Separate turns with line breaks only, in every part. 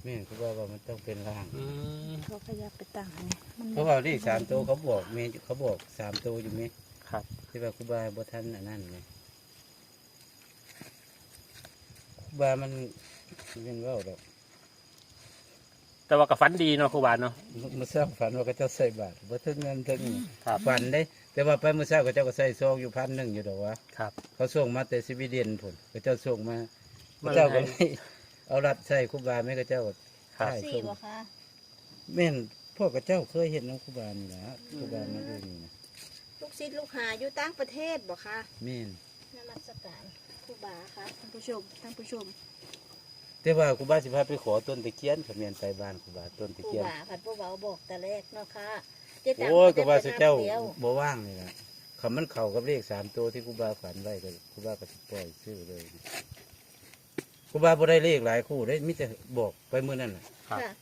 แม่นครูบาว่ามันต้องเป็นล่าง
เขาก็อยากไปตั้งให้มัน
เพราะว่าเลข3 ตัวเขาบอกแม่เขาบอก3 ตัวอยู่ไหม
ครับ
ที่ว่าครูบาบ่ทันอันนั้นไงครูบามันเป็นว่าดอก
แต่ว่ากับฝันดีเนาะครูบาเนาะ
เมื่อเช้าฝันว่าเขาเจ้าใส่บาตรบ่ถึงเงินถึง
ครับ
ฝันได้ แต่ว่าไปเมื่อเช้าเขาเจ้าก็ใส่ซองอยู่1,000อยู่ดอกวะ
ครับ
เขาส่งมาแต่สวีเดนพุ่นเขาเจ้าส่งมา
มั
เขา
น
เจ้าก็เลยเอารัดใส่ครูบาแม่เขาเจ้าก็
ครับ
ใช่
สี่บ่คะ
แม่นพ่อกับเจ้าเคยเห็นน้องครูบานี่นะครูบามาดูนี่นะ
ลูกศิษย์ลูกหาอยู่ต่างประเทศบ่คะ
แม่น
นมัสการครูบาค่ะท่านผู้ชม
แต่ว่าครูบาสิพาไปขอต้นตะเคียนเขาแม่นไปบ้านครูบาต้น
ค
ตะ
รู
เคียน
บาผัดผู้เบาบอกแต่แรกเนาะค่ะเจ๊ตัง
โอ้ยก็ว่าสุเจ้า
เดียว
บ่ว่างนี่นะคำมันเข้ากับเลข3 ตัวที่ครูบาฝันไว้ก็ครูบาก็สิปล่อยซื้อเลยครูบาบ่ได้เลขหลายคู่ได้มิแต่บอกไปมื้อนั้นน่ะ
ครับ
ค่ะ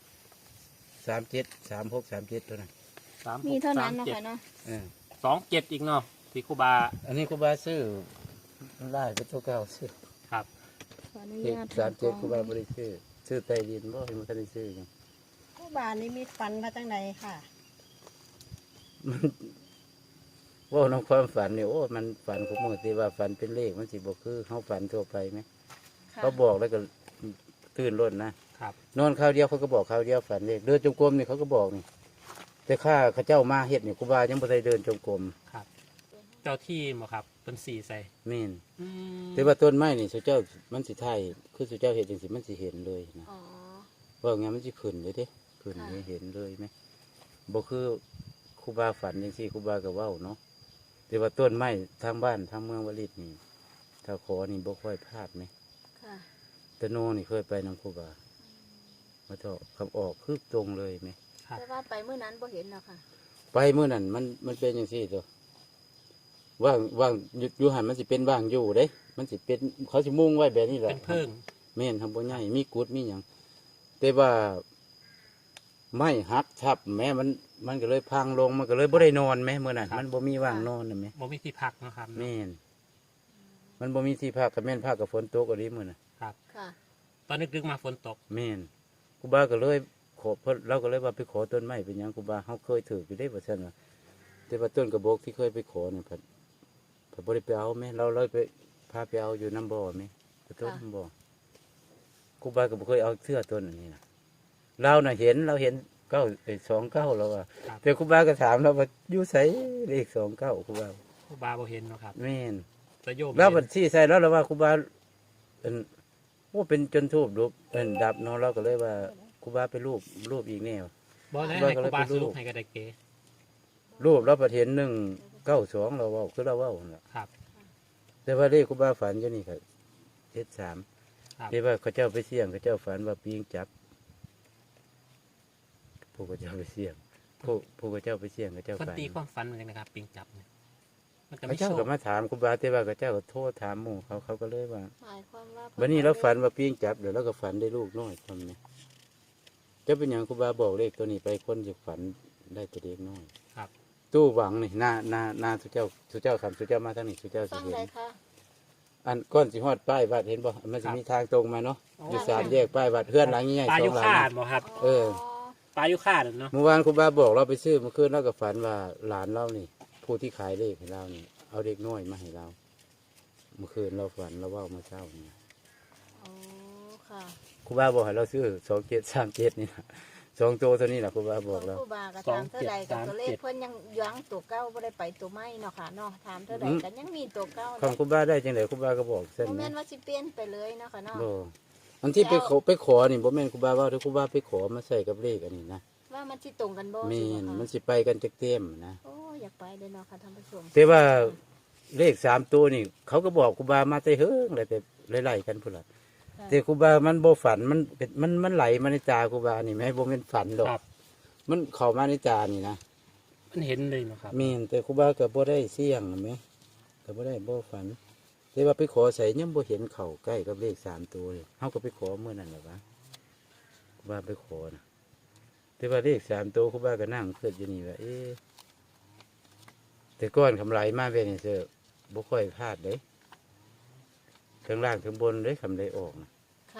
37 36 37เท่านั้น
มีเท่านั้นเนาะค่ะเนาะ
เออ
27อีกเนาะที่ครูบา
อันนี้ครูบาซื้อไล่ไปตัวเก่าซื้อ
ครับ
ขออนุ
เลข
ญาต
37ครูบาบ่ได้ซื้อใต้ดินบ่เห็นมันก็ได้ซื้อหยัง
ครูบานี่มีฟันมาตั้งใดค่ะ
มันว่าน้องความฝันเนี่ยโอ้มันฝันของมือที่ว่าฝันเป็นเลขมันสิบอกคือเขาฝันทั่วไปไหม
ค่ะ
เขาบอกแล้วก็ตื่นร่นนะครับ นอนข้าวเดียวเขาก็บอกข้าวเดียวฝันเลขเดินจงกรมนี่เขาก็บอกนี่แต่ข้าเขาเจ้ามาเฮ็ดเนี่ยครูบายังบ่ได้เดินจงกรม
ครับ เจ้าที่บ่ครับเป็นสีใส่
แม่น
อืม
แต่ว่าต้นไม้นี่สุเจ้ามันสิไทยคือสุเจ้าเฮ็ดจังสิมันสิเห็นเลยนะ
อ๋อ
ว่าไงมันสิขึ้นเลยเด้ขึ้นเลยเห็นเลยไหมบ่คือครูบาฝันจังซี่ครูบาก็เว้าเนาะแต่ว่าต้นไม้ทางบ้านทางเมืองวลิตนี่ถ้าขอนี่บ่ค่อยพลาดไหม
ค่ะ
แต่โนนี่เคยไปนำครูบามาเถอะคำออกคือตรงเลยไหม
ครับ
แต่ว่าไปเมื่อนั้นบ่เห็นเนาะค่ะ
ไปเมื่อนั้นมันเป็นอย่างซี่ตัวว่างอยู่หันมันสิเป็นว่างอยู่เด้ มันสิเป็นเขาสิมุ่งไว้แบบนี้แหละ
เป็นเพิ่ง
แม่นทำบ่ใหญ่มีกุดมีหยังแต่ว่าไม่หักทับแม่มันก็เลยพังลงมันก็เลยบ่ได้นอนแม่เมื่อนั้นมันบ่มีว่างนอนนะแม่
บ่มีที่พักเนาะครับ
แม่นมันบ่มีที่พักกับแม่นพักกับฝนตกอะไรมื้อน่ะ
ครับ
ค่ะ
ตอนนึกๆมาฝนตก
แม่นครูบาก็เลยขอเพิ่นเราก็เลยว่าไปขอต้นไม้เป็นหยังครูบาเฮาเคยถืออยู่ได้บ่ซั่นว่าแต่ว่าต้นกระบอกที่เคยไปขอนี่เพิ่นบ่ได้ไปเอาแม่เราเลยไปพาไปเอาอยู่น้ำบ่อแม่ไปต้นน้ำบ่อครูบาก็บ่เคยเอาเสื้อต้นอันนี้นะเราน่ะเห็นเราเห็น29แล้วว่า
ครับ
แต่ครูบาก็ถามเราว่าอยู่ไสเลข29ครูบา
ครูบาบ่เห็นเนาะครับ
แม่น
แต่โยม
แล้วบั
เห็
ด
น
ที่ใส่แล้วเราว่าครูบาโอ้เป็นจนทูบรูปดับเนาะเราก็เลยว่าครูบาไปรูปอีกแนว
บ่ได้
ครูบา
ให้
ก็
ค
เล
รู
ย
บา
ไป
ส
รู
รุ
ป
ปให้ก็ได้เก๋
รูปเราประเห็น192เราเว่าคือเราเว่านั่นล่ะ
ครับ
แต่ว่าเลขครูบาฝันอยู่นี่ครับ73
ครับ
ที่ว่าเขาเจ้าไปเสี่ยงเขาเจ้าฝันว่าปีงจับผู้เขาเจ้าไปเสี่ยงผู้เขาเจ้าไปเสี่ยงเขาเจ้า
เพิ่น
ฝัน
ตีความฝันเหมือนกันนะครับ ปิงจับเนี่ยมันจะ
เขา
ไม่
เจ้า
โช
ก็
ค
มาถามครูบาแต่ว่าเขาเจ้าก็โทษถามหมู่เขาก็เลยว่า
หมายความว่า
วันนี้เราฝันว่าปีงจับเดี๋ยวเราก็ฝันได้ลูกน้อยทำเนี่ยจะเป็นอย่างครูบาบอกเลขตัวนี้ไปคนจะฝันได้ตัวเด็กน้อย
ครับ
ตู้หวังนี่หน้าสุเจ้าคำสุเจ้ามาทางนี้สุเจ้าสิ
ฟัง
เห็
ได้
น
ค่ะ
อันก้อนสิฮอดป้ายวัดเห็นบ่มันจะมีทางตรงมาเนาะอยู่สามแยกป้ายวัดเฮือนหลังใหญ่
ปลา
สอ
ยุ
งหลัง
คาด
นะ
บ่ครับ
เออ
ปลายุคาดเนาะ
เมื่อวานครูบาบอกเราไปซื้อเมื่อคืนเราก็ฝันว่าหลานเรานี่ ผู้ที่ขายเลขให้เรานี่เอาเด็กน้อยมาให้เรา เมื่อคืนเราฝันเราเว่าเมื่อเช้านี่
อ๋อค่ะ
ครูบาบอกให้เราซื้อ2737นี่นะ2ตัวตัวนี้แหละครูบาบอกเรา
ครูบาก็ถามเท่าใดกับตัวเลขเพิ่นยังยั้งตัวเก้าบ่ได้ไปตัวไม่เนาะค่ะเนาะถามเท่าใดกันยังมีตัวเก้า
ของครูบาได้จังไดครูบาก็บอกเส้น
โมเม
นะ
นว่าสิเปลี่ยนไปเลยเนาะค่ะเนาะ
บ่อันที่ไปขอนี่บ่แม่นครูบาว่าถ้าครูบาไปขอมาใส่กับเลขอันนี้นะ
ว่ามันสิตรงกันบ่
แม่
สิ
น
บ่
มัน
คะ
สิไปกันจักเต็มนะ
โอ้อยากไปเลยเนาะค่ะท่านผู้ชม
แต่ว่าเลข3ตัวนี่ เขาก็บอกครูบามาแต่เฮิงเลยแต่ไล่ๆกันพุ่นล่ะแต่ครูบามันบ่ฝันมันไหลมาในตาครูบานี่แม่บ่แม่นฝันดอก
ครับ
มันเข้ามาในตานี่นะ
มันเห็นเลยเนาะครับ
แม่นแต่ครูบาก็บ่ได้เสี่ยงนะแม่ก็บ่ได้บ่ฝันแต่ว่าไปขอใส่ยังบ่เห็นเข้าใกล้กับเลข3ตัวเลยเฮาก็ไปขอมื้อนั้นแหละวะครูบาไปขอนะแต่ว่าเลข3ตัวครูบาก็นั่งคิดอยู่นี่ว่าเอ๊ะแต่ก้อนคำไหลมาแบบนี้เด้อบ่ค่อยพลาดเด้ทั้งล่างทั้งบนเด้คำไหลออกนะ
ค่ะ
เข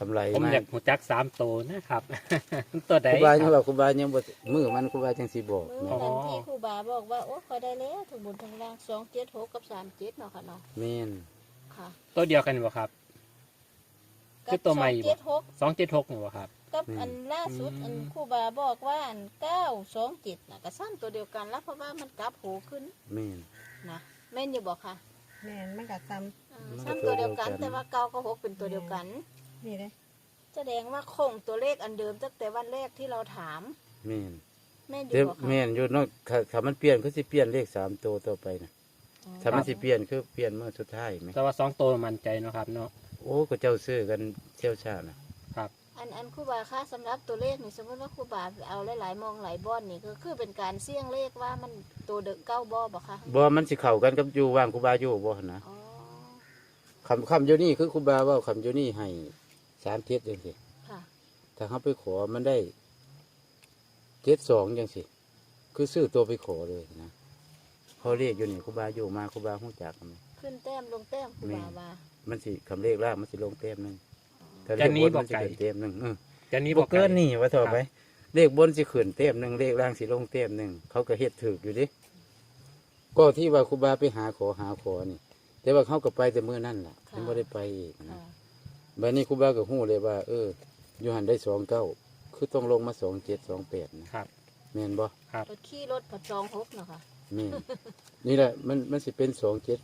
กำไร
ผม
มา
อยากหูจัก3ตัวนะครับ ตัวใด
ครูบา
ค
ยัง
รับ
ว่าครูบายังบ่มือมันครูบาจังสิบอก
มื้อ
นะ
นั้นที่ครูบาบอกว่าโอ้ขอยได้แล้วถึงบนทางล่าง276กับ37เนาะค่ะเนาะ
แม่น
ค่ะ
ตัวเดียวกันบ่ครับ คือตัวใหม่บ่
276
276นี่บ่ครับ
กับอันล่าสุดอันครูบาบอกว่าอัน927น่ะก็ซ้ำตัวเดียวกันแล้วเพราะว่ามันกลับโหขึ้น
แม่น
นะแม่นอยู่บอกค่ะ
แม่นมันก็ซ้
ซ้ำตัวเดียวกันแต่ว่าเก้ากับหกเป็นตัวเดียวกัน
ำนี่เลย
แสดงว่าคงตัวเลขอันเดิมตั้งแต่วันแรกที่เราถาม
แม่น
แม่นอ
แต่
ยู่บอกค่ะ
แม่นอยู่เนาะถ้ามันเปลี่ยนคือสิเปลี่ยนเลข3ตัวต่อไปนะ
อ๋อ
ถ้ามันสิเปลี่ยนคือเปลี่ยนเมื่อสุดท้ายไหม
แต่ว่า2ตัวมั่นใจเนาะครับเนาะ
โอ้ก็เจ้าซื้อกันเชี่ยวชาญนะ
อันครูบาค่ะสำหรับตัวเลขนี่สมมติว่าครูบาเอาหลายๆมองหลายบ้อนนี่ก็คือเป็นการเสี่ยงเลขว่ามันตัวเด็กเก้าบ่บอกค่ะ
บ่มันสิเข้ากันกับอยู่ว่างครูบาอยู่บ่หั่นนะ
อ๋อ
คำอยู่นี่คือครูบาเว่าคำอยู่นี่ให้37จังซี่
ค่ะ
ถ้าเขาไปขอมันได้72จังซี่คือซื้อตัวไปขอเลยนะพอเรียกอยู่นี่ครูบาอยู่มาครูบาฮู้จักมัน
ขึ้นแต้มลงแต้มครูบาว่า
มันสิคำเลขล่างมันสิลงเต็มหนึงถ้าเล
จะ
ข
นี้
บน
บอ
มั
ก
นสิ
ไก่
ขึ้นเต็มหนึง
จะนี้
บบ อ
อก ก
เกิน
ไก่
นี่ว่าต่อ
ครับ
ไปเลขบนสิขึ้นเต็มหนึงเลขล่างสิลงเต็มหนึงเขาก็เฮ็ดถูกอยู่ดิก็ที่ว่าครูบาไปหาขอนี่ แต่ว่าเขาก็ไปแต่มื้อนั่นล่ะยังบ่ได้ไปอีกนะ
ค่ะ
บัดนี้ครูบาก็ฮู้เลยว่า อยู่หันได้29คือต้องลงมา27 28นะครับ แม่นบ่
ครับ
รถขี่รถผัดจองหกเนาะค่ะ
แม่น นี่แหละมันสิเป็น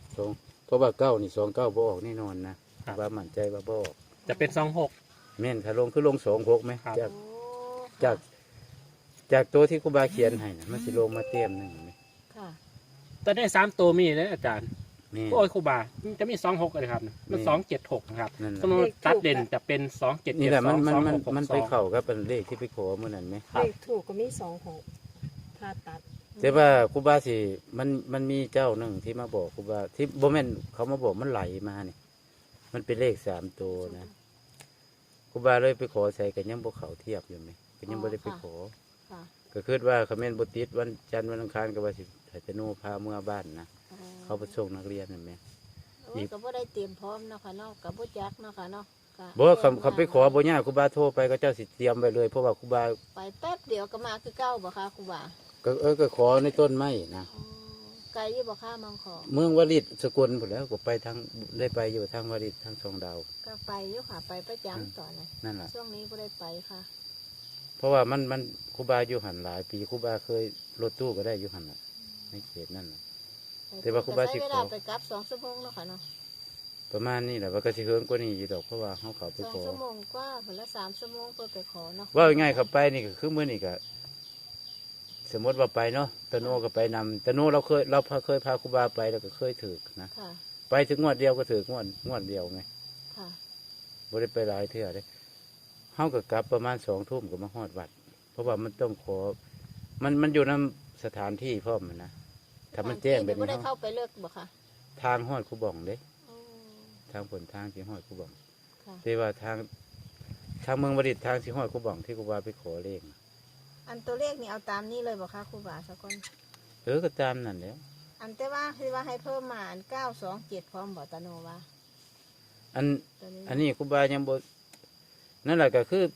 272เพราะว่า9นี่29บ่ออกแน่นอนนะครูบามั่นใจว่าบ่ออก
จะเป็น26
แม่นถ้าลงคือลง26ไหม
ครับ
จาก
โอ้
จากจากตัวที่ครูบาเขียนให้นะมันสิลงมาเต็มหนึงไหม
ค่ะ
ตัวได้3ตัวมีเลยอาจารย์
แม่น
โอ้ยครูบาจะมี26เลยครับมัน276นะครับ
นั่น
สม
แห
ม
ละ
ติตัดเด่นจะเป็น277
นี่แหละมัน
2662
ไปเข้ากับเป็นเลขที่ไปขอเมื่อนั้นไหม
ครับ
เลขถูกก็มี26ถ้าตัด
แต่ว่าครูบาสิมันมีเจ้าหนึ่งที่มาบอกครูบาที่บ่แม่นเขามาบอกมันไหลมาเนี่ยมันเป็นเลข3ตัวนะครูบาเลยไปขอใส่กันยังบ่เขาเทียบอยู่ไหมก็ยังบ่ได้ไปขอ
ค่ะ
ก็คิดว่าคอมเมนต์บ่ติดวันจันทร์วันอังคารก็ว่าสิให้ตะโนพาเมื่อบ้านนะ
อ๋อ
เขาไปส่งนักเรียนนั่นแหม
โอ้ยก็บ่ได้เตรียมพร้อมเนาะค่ะเนาะกับบ่จักเนาะค่ะเนาะก็
บ่คำไปขอบ่ยากครูบาโทรไปก็เจ้าสิเตรียมไว้เลยเพราะว่าครูบา
ไปแป๊บเดียวก็มาคือเก้าบ่ค่ะครูบา
ก็ขอในต้นไม้นะ
อ๋อไกลอยู่บ่ค่ะมังขอ
เมืองวลิตสกลหมดแล้วก็ไปทางได้ไปอยู่ทางวลิตทางสองดาว
ก็ไปอยู่ค่ะไปประจำตอนนั้น
นั่นแหละ
ช่วงนี้บ่ได้ไปค่ะ
เพราะว่ามันครูบาอยู่หันหลายปีครูบาเคยรถตู้ก็ได้อยู่หันน่ะในเขตนั่นน่ะ แต่ว่าครูบาสิ
ใช้
ขอ
เวลาไปกลับ2ชั่วโมงเนาะค่ะเนาะ
ประมาณนี้แหละว่าก็สิเฮิงกว่านี้อยู่ดอกเพราะว่าเขาเขาไปขอ
2ชั่วโมงกว่าคนละ3ชั่วโมงเพื่อไปขอเนาะ
ว่าง่ายๆเขาไปนี่ก็คือมื้อนี้ก็สมมติว่าไปเนาะตะโนก็ไปนำตะโนเราเคยพาครูบาไปแล้วก็เคยถือนะ
ค่ะ
ไปถึงงวดเดียวก็ถืองวดเดียวไง
ค่ะ
บ่ได้ไปหลายเทื่อเลยเฮาก็กลับประมาณ2 ทุ่มก็มาฮอดวัด เพราะว่ามันต้องขอ มันอยู่นำสถานที่พร้อมอะนะถ้ามันแจ้งแบบ
บ่
นี้
ได้
เฮา
เข้าไปเลิกบ่ค่ะ
ทางฮอดคูบ่องเด้
อ๋อ
ทางผลทางที่ฮอดคูบ่อง
ค่ะ
แต่ว่าทางเมืองบดิตถ์ทางที่ฮอดคูบ่องที่ครูบาไปขอเลขน่ะ
อันตัวเลขนี่เอาตามนี้เลยบ่คะครูบาสักคน
ก็ตามนั่นแหล้ว
อันแต่ว่าคือว่าให้เพิ่มมาอัน927พร้อมบ่ตะโนว่า
อัน
ตัวนี้
อันนี้ครูบายังบ่นั่นแหละก็คือ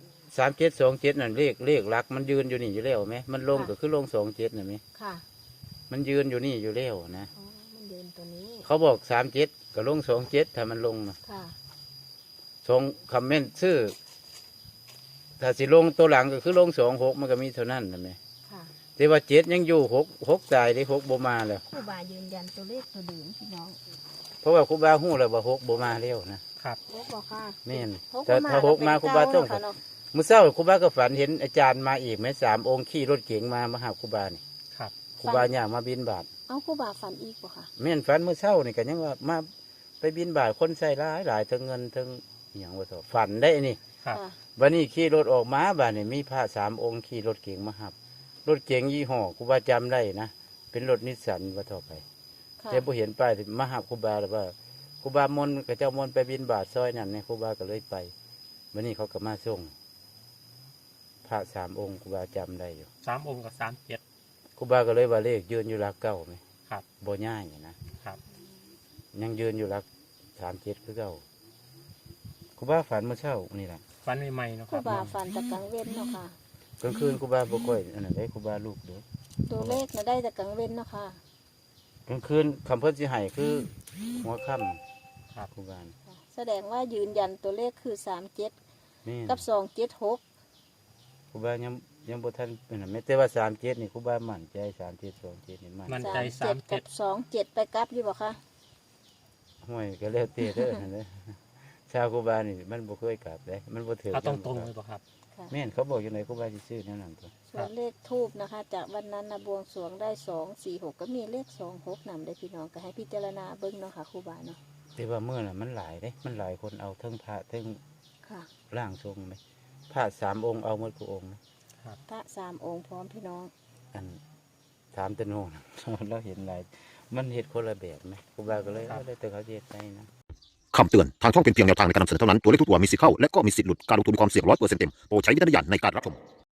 3727นั่นเลขหลัก มันยืนอยู่นี่อยู่แล้วไหมมันลงก็คือลง27น่ะไหม
ค่ะ
มันยืนอยู่นี่อยู่แล้วนะ
อ๋อมันเดินตัวนี้
เขาบอก37ก็ลง27ถ้ามันลงนะ
ค่ะ
ส่งคอมเมนต์ชื่อถ้าสิลงตัวหลังก็คือลง26มันก็มีเท่านั้นนะแม่
ค่ะ
แต่ว่า7ยังอยู่6ตายได้6บ่มาแล้ว
ครูบายืนยันตัวเลขตัวเดิมพี่น้อง
เพราะว่าครูบาฮู้แล้วว่า6บ่มาแล้วนะครับ
หกบ่ค่ะ
แม่น
หก
แต่
บ่
ถ้า6มาครูบาต้อง
ค่ะเนาะ
มื้อเช้าครูบาก็ฝันเห็นอาจารย์มาอีกแม่3องค์ขี่รถเก๋งมาหาครูบานี่
ครับ
ครูบาย่างมาบินบาต
เอาครูบาฝันอีกบ่ค่ะ
แม่นฝันมื้อเช้านี่ก็ยังว่ามาไปบินบาตคนใส่หลายทั้งเงินทั้งอหย่างว่าต่อฝันได้นี่
ครับ
ค่ะ
วันนี้ขี่รถออกมาบ้านนี่มีพระ3องค์ขี่รถเก๋งมาหับ รถเก๋งยี่ห้อครูบาจำได้นะเป็นรถนิสสันว่าต่อไป
ค่ะ
แต่บ่เห็นป้ายที่มาหับครูบาแล้วว่าครูบามนต์กับเจ้ามนต์ไปบินบาตซอยนั่นเนี่ยครูบาก็เลยไปวันนี้เขาก็มาส่งพระ3องค์ครูบาจำได้อยู่
3 องค์กับ37
ครูบาก็เลยว่าเลขยืนอยู่หลักเก้าไหม
ครับ
บ่ย่ายนะครับ ยังยืนอยู่หลัก37คือเก้าครูบาฝันเมื่อเช้านี่แหละ
ฝันใหม่ๆเนาะ
ค
ค
รู
รับ
บาฝันแต่กลางเว้นเนาะค่ะ
กลางคืนครูบาบ่ค่อยอันนั้นได้ครูบาลูกเด้อ
ตัวเลขน่ะได้แต่กลางเว้นเนาะค่ะ
กลางคืนคำเพิ่นสิให้คือหัวค่ำ
ครับ
ครูบา
แสดงว่ายืนยันตัวเลขคือ37
แม่น
กับ276
ครูบายังบ่ทันเป็นนั่นแม้แต่ว่า37นี่ครูบามั่นใจ37 27นี่มั่น
มั่นใจ
37กับ27ไปกลับอยู่บ่คะ
ห้วยก็แล้วแต่เด้อนั่นแหละชาวครูบานี่มันบ่เคยกลับเด้มันบ่ถือ
เอาตรงๆเลยป่ะครับ
ค่ะ
แม่นเขาบอกอยู่ไหนครูบาสิซื้อแนวนั้นตัว
ส่วนเลขทูบนะคะ จากวันนั้นนะบวงสรวงได้246ก็มีเลข26นำได้พี่น้องก็ให้พิจารณาเบิ่งเนาะค่ะครูบาเนาะ
แต่ว่ามื้อน่ะมันหลายเด้มันหลายคนเอาเทั้งพระเทั้ง
ค่ะ
ร่างทรงไหมพระ3องค์เอาหมดทุกองค์นะ
พระ3องค์พร้อมพี่น้อง
อัน3ตะโนน เราเห็นหลายมันเฮ็ดคนละแบบไหมครูบาก็เลยเอาได้แต่เขาเฮ็ดให้นะ
คำเตือน ทางช่องเป็นเพียงแนวทางในการนำเสนอเท่านั้น ตัวเลขทุกตัวมีสิทธิ์เข้า และก็มีสิทธิ์หลุด การลงทุนมีความเสี่ยง100%เต็ม โปรดใช้วิจารณญาณในการรับชม